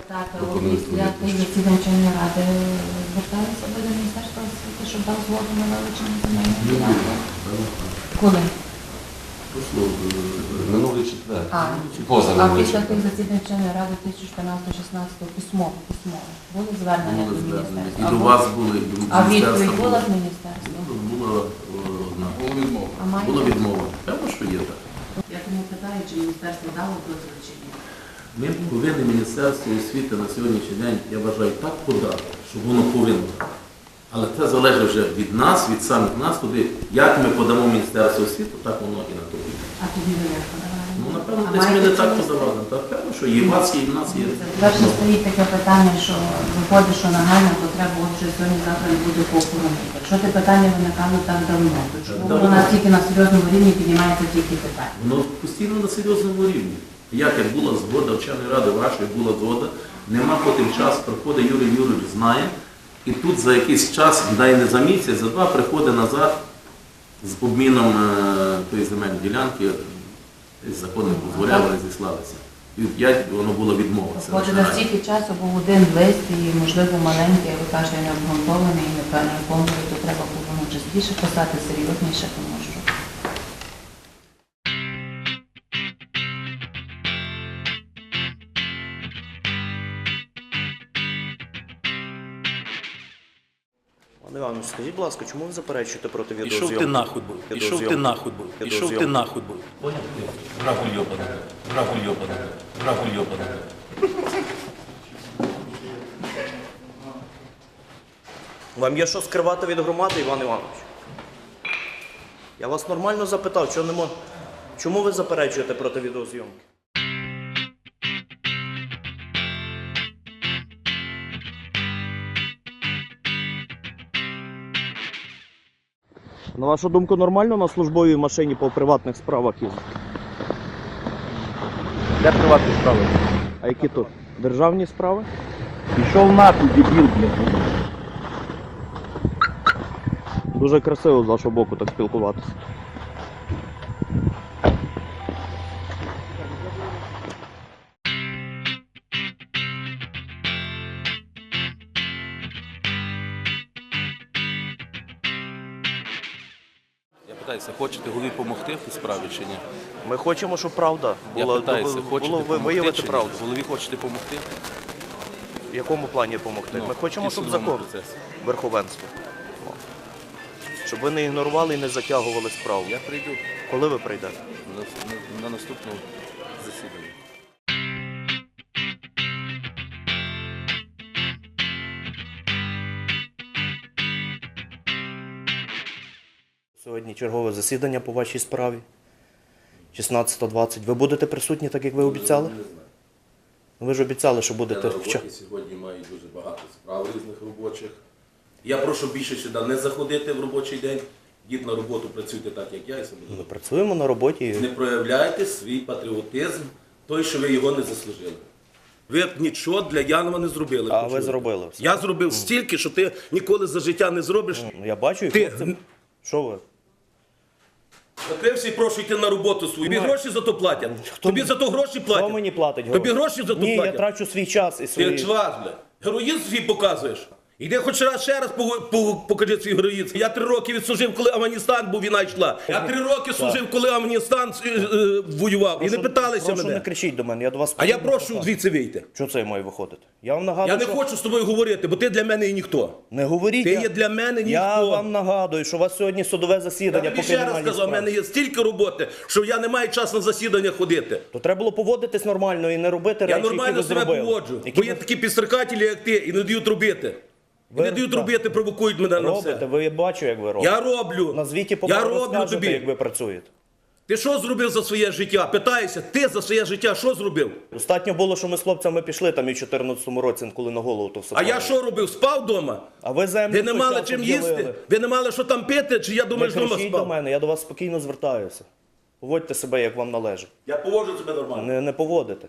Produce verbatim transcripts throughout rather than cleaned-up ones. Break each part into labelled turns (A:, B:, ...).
A: Так, після тих засідань Червоної ради зверталися до Міністерства освіти, щоб дав згоду на вилучення земельної ділянки. Коли?
B: Минулий четвер.
A: А,
B: Поза
A: а
B: минулий
A: після
B: четвер.
A: тих засідань Червоної ради дві тисячі чотирнадцятого-шістнадцятого письмово, письмово. Були звернення до міністерства?
C: І до вас були, і до
A: А відповідь
C: міністерства
A: була
C: було.
A: з міністерства?
C: Була одна.
B: Було відмова.
A: А маєте?
C: Була відмова. Певно, що є так.
A: Я тому питаю, чи міністерство дало дозвіл чи ні?
C: Ми повинні Міністерство освіти на сьогоднішній день, я вважаю, так подати, щоб воно повинно. Але це залежить вже від нас, від самих нас туди. Як ми подамо Міністерство освіти, так воно і на то буде.
A: А тоді ви як подавали?
C: Ну, напевно,
A: А
C: десь ми
A: маєте
C: не так
A: чимось?
C: подавали. Так, певно, що є, і в вас є, і в нас є.
A: Перше стоїть таке питання, що виходить, що нагальна потреба, от що сьогодні-завтра не буде поохоронити. Якщо те питання виникало так давно, то чому
C: давно.
A: воно тільки на серйозному рівні піднімається тільки питання?
C: Воно постійно на серйозному рівні. Як як була згода вченої ради вашої, була згода, нема потім час, приходить Юрій Юрійович, знає, і тут за якийсь час, дай не за місяць, за два, приходить назад з обміном е, тої земельної ділянки, закон не дозволяв, вони зіслалися. І в п'ять воно було відмова. Це
A: Виходить,
C: наша
A: на стільки часу був один лист, і, можливо, маленький, а ви кажете, не обґрунтований, і не повний, то треба було ну, частіше писати, серйозніше, тому що.
D: Пане Іванович, скажіть, будь ласка, чому ви заперечуєте проти
E: Ішов
D: відеозйомки?
E: ти нахуй був, ішов ти нахуй був, ішов ти нахуй був.
C: Поняв? Врагу йобаний, врагу йобаний, врагу йобаний.
D: Вам є що скривати від громади, Іван Іванович? Я вас нормально запитав, чого не мож... чому ви заперечуєте проти відеозйомки? На вашу думку, нормально на службовій машині по приватних справах їздити?
F: Де приватні справи?
D: А які тут? Державні справи?
F: Пішов нахуй, дебіл, блядь.
D: Дуже красиво з вашого боку так спілкуватися.
E: Я питаюся, хочете голові допомогти в тій справі чи ні?
D: Ми хочемо, щоб правда
E: Я
D: була,
E: питаюся,
D: було
E: хочете
D: ви-
E: допомогти
D: виявити
E: чи ні?
D: правду.
E: Голові хочете допомогти?
D: В якому плані допомогти?
E: Ну,
D: Ми хочемо,
E: і
D: щоб
E: судовому
D: закон,
E: процесі.
D: верховенство. О. Щоб ви не ігнорували і не затягували справу.
E: Я прийду
D: Коли ви прийдете?
E: на, на, на наступному засіданні.
D: Сьогодні чергове засідання по вашій справі. шістнадцята двадцять. Ви будете присутні, так як ви обіцяли? Ви ж обіцяли, що
C: Я
D: будете
C: на
D: вчасно.
C: роботі сьогодні маю дуже багато справ різних робочих. Я прошу більше сюди не заходити в робочий день. Йдіть на роботу, працюйте так, як я і собі.
D: Ми працюємо на роботі.
C: Не проявляйте свій патріотизм, той, що ви його не заслужили. Ви нічого для Янова не зробили.
D: А ви
C: почули?
D: зробили все.
C: Я зробив стільки, що ти ніколи за життя не зробиш.
D: Ну, я бачу і
C: Ти-
D: хлопцям. Що ви?
C: Закрився і прошу йти на роботу свою. Тобі гроші за то платять. Тобі за то гроші платять.
D: Хто мені платить гроші?
C: Тобі гроші за то
D: Ні,
C: платять?
D: я трачу свій час і
C: Ти
D: свої...
C: чваз, бля. Героїзм свій показуєш. Іди хоч раз ще раз пого- по- покажи свій героїзм. Я три роки відслужив, коли Афганістан був, війна йшла. Я три роки служив, коли Афганістан е, е, воював. І не питалися
D: Прошу,
C: мене.
D: не кричіть до мене, я до вас...
C: А я прошу звідси вийти.
D: Що це я маю виходити? Я вам нагадую,
C: Я не
D: що...
C: хочу з тобою говорити, бо ти для мене і ніхто.
D: Не говоріть.
C: Ти
D: я...
C: є для мене ніхто.
D: Я вам нагадую, що у вас сьогодні судове
C: Я
D: засідання
C: тобі
D: по
C: ще раз
D: кримінальній
C: сказав, в
D: справі.
C: мене є стільки роботи, що я не маю часу на засідання ходити.
D: То треба було поводитись нормально і не робити
C: Я
D: речі,
C: нормально
D: які ви
C: себе
D: зробили.
C: поводжу,
D: Які
C: бо є
D: ви
C: такі підстрикателі, як ти, і не дають робити. І
D: Ви
C: не дають
D: так.
C: робити, провокують мене на
D: робите,
C: все.
D: ви бачу, як ви робите.
C: Я роблю.
D: Назвіть і
C: Я
D: по
C: роблю
D: розкажете,
C: тобі.
D: як ви працюєте.
C: Ти що зробив за своє життя? Питаюся, ти за своє життя що зробив?
D: Достатньо було, що ми з хлопцями пішли там і в чотирнадцятому році, коли на голову то все.
C: А я
D: падало.
C: що робив? Спав вдома?
D: А ви землю
C: Ви
D: в
C: не
D: той
C: мали
D: час
C: чим
D: обділили.
C: їсти? Ви не мали що там пити? Чи я
D: Не
C: думаю, вдома
D: кричіть до
C: спав?
D: мене, я до вас спокійно звертаюся. Поводьте себе, як вам належить.
C: Я поводжу себе нормально.
D: Не, не поводите.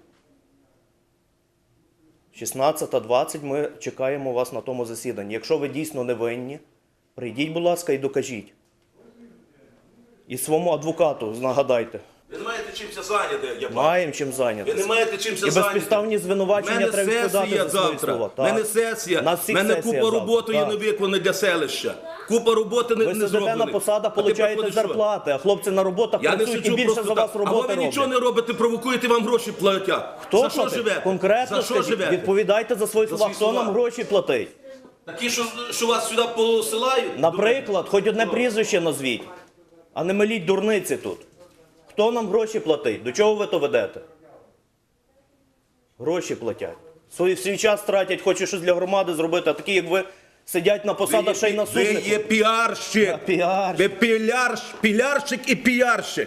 D: шістнадцята двадцять ми чекаємо вас на тому засіданні. Якщо ви дійсно не винні, прийдіть, будь ласка, і докажіть. І своєму адвокату нагадайте.
C: Ви не маєте
B: чимся зайняти, я бачу.
D: Маємо чим
B: Ви
D: зайнятися.
B: не маєте чимся
D: І
B: зайняти.
D: безпідставні звинувачення
B: мене
D: треба відповідати
B: сесія
D: за свої
B: завтра.
D: слова.
B: У мене сесія.
D: На
B: У
D: всіх
B: мене
D: сесія
B: купа
D: завтра.
B: роботи є
D: Так.
B: не виконана для селища. Купа роботи не,
D: Ви
B: не
D: сидите
B: зроблена.
D: на посадах,
B: А ти
D: получаєте
B: приходиш, що?
D: зарплати, а хлопці на роботах
B: Я не
D: працюють і
B: сиджу
D: більше
B: просто
D: за вас
B: так. Або
D: роботи
B: ви нічого
D: роблять.
B: не робите, провокуєте, вам гроші платять.
D: Хто
B: за що
D: платить?
B: живете?
D: Конкретно
B: За що
D: скажіть,
B: живете?
D: відповідайте за свої
B: За
D: слова.
B: свої
D: Хто
B: слова.
D: нам гроші платить?
B: Такі, що, що вас сюди посилають?
D: Наприклад, хоч одне прізвище назвіть, а не меліть дурниці тут. Хто нам гроші платить? До чого ви то ведете? Гроші платять. Свій, свій час тратять, хочуть щось для громади зробити, а такі, як ви, сидять на посадах ще й на
B: Ви є
D: суднику.
B: піарщик.
D: Та, піарщик.
B: Ви пілярщ, пілярщик і піарщик.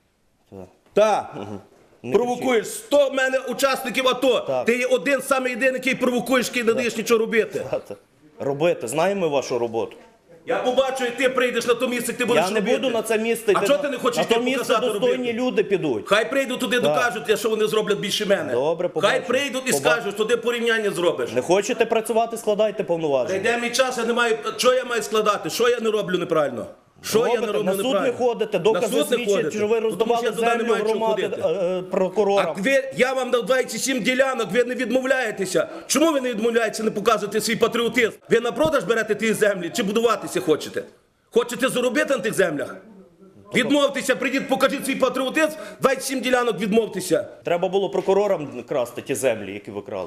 B: Так. Провокуєш сто в мене учасників АТО.
D: Так.
B: Ти є один самий єдиний, який провокуєш, який не даєш нічого робити.
D: Та, Робити, знаємо ми вашу роботу.
B: Я побачу, як ти прийдеш на то місце, ти будеш
D: Я не
B: робити.
D: буду на це місце
B: А
D: йти.
B: чого ти не хочеш
D: На
B: йти
D: то місце
B: показати
D: достойні
B: робити?
D: люди підуть.
B: Хай прийдуть туди, докажуть, що вони зроблять більше мене.
D: Добре,
B: Хай
D: побачимо.
B: прийдуть і
D: Побачимо.
B: скажуть, туди порівняння зробиш.
D: Не хочете працювати, складайте повноваження.
B: Йде мій час, я не маю. Що я маю складати? Що я не роблю неправильно? Що я не
D: Робите,
B: роблю
D: на суд
B: неправильно?
D: не ходите,
B: На
D: докази
B: суд не
D: свідчать,
B: ходите.
D: що ви
B: Ну, тому що
D: роздавали
B: я туди не
D: землю
B: маю чого
D: громади
B: ходити.
D: е, е, прокурорам.
B: А ви, я вам дав двадцять сім ділянок, ви не відмовляєтеся. Чому ви не відмовляєтеся, не показуєте свій патріотизм? Ви на продаж берете ті землі чи будуватися хочете? Хочете заробити на тих землях? Відмовтеся, прийдіть, покажіть свій патріотизм, двадцять сім ділянок відмовтеся.
D: Треба було прокурорам красти ті землі, які ви крали.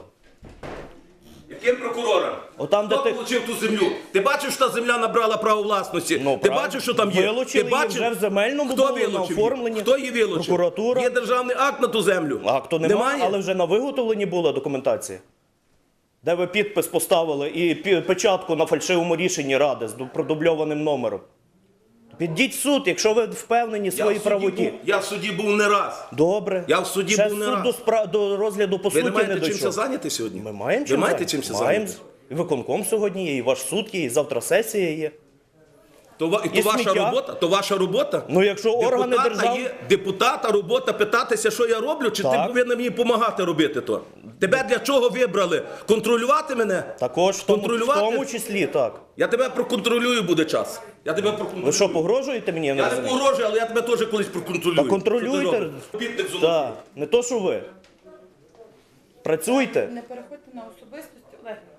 B: Яким прокурором?
D: Отам,
B: Хто
D: де ти-
B: отримав ту землю? Ти бачив, що та земля набрала право власності?
D: Ну,
B: ти
D: правильно.
B: бачив, що там є?
D: Вилучили
B: Ти
D: її
B: бачив?
D: вже в земельному
B: Хто
D: було, на
B: вилучив її?
D: оформленні.
B: Хто її вилучив?
D: Прокуратура.
B: Є державний акт на ту землю?
D: А хто немає,
B: Немає?
D: але вже на виготовленні була документація. Де ви підпис поставили і пі- печатку на фальшивому рішенні ради з ду- продубльованим номером. Підіть в суд, якщо ви впевнені в
B: Я
D: своїй
B: в суді
D: правоті.
B: був- Я в суді був не раз.
D: Добре.
B: Я в суді
D: Ще
B: був не
D: суд
B: раз.
D: до, спра... до розгляду по
B: Ви
D: суті
B: не маєте
D: не
B: чимся
D: дійшов.
B: зайняти сьогодні?
D: Ми маємо
B: Ви
D: чим
B: маєте
D: зайняти?
B: чимся
D: Маємо.
B: зайняти?
D: І виконком сьогодні є, і ваш суд є, і завтра сесія є.
B: То, ва- і то
D: І
B: ваша
D: сміття.
B: робота? То ваша робота?
D: Ну, якщо органи
B: Депутата
D: держави-
B: є, депутата робота питатися, що я роблю, чи ти
D: Так.
B: повинен мені допомагати робити то? Тебе для чого вибрали? Контролювати мене?
D: Також в тому, в
B: Контролювати?
D: тому числі, так.
B: Я тебе проконтролюю буде час. Я тебе проконтролюю.
D: Ви що, погрожуєте мені? Я не
B: Я не
D: розумію.
B: погрожую, але я тебе теж колись проконтролюю.
D: Та
B: Що
D: контролюйте.
B: ти робиш? Підник золотий.
D: Так, не то, що ви. Працюйте.
A: Не переходьте на особистості, Олег.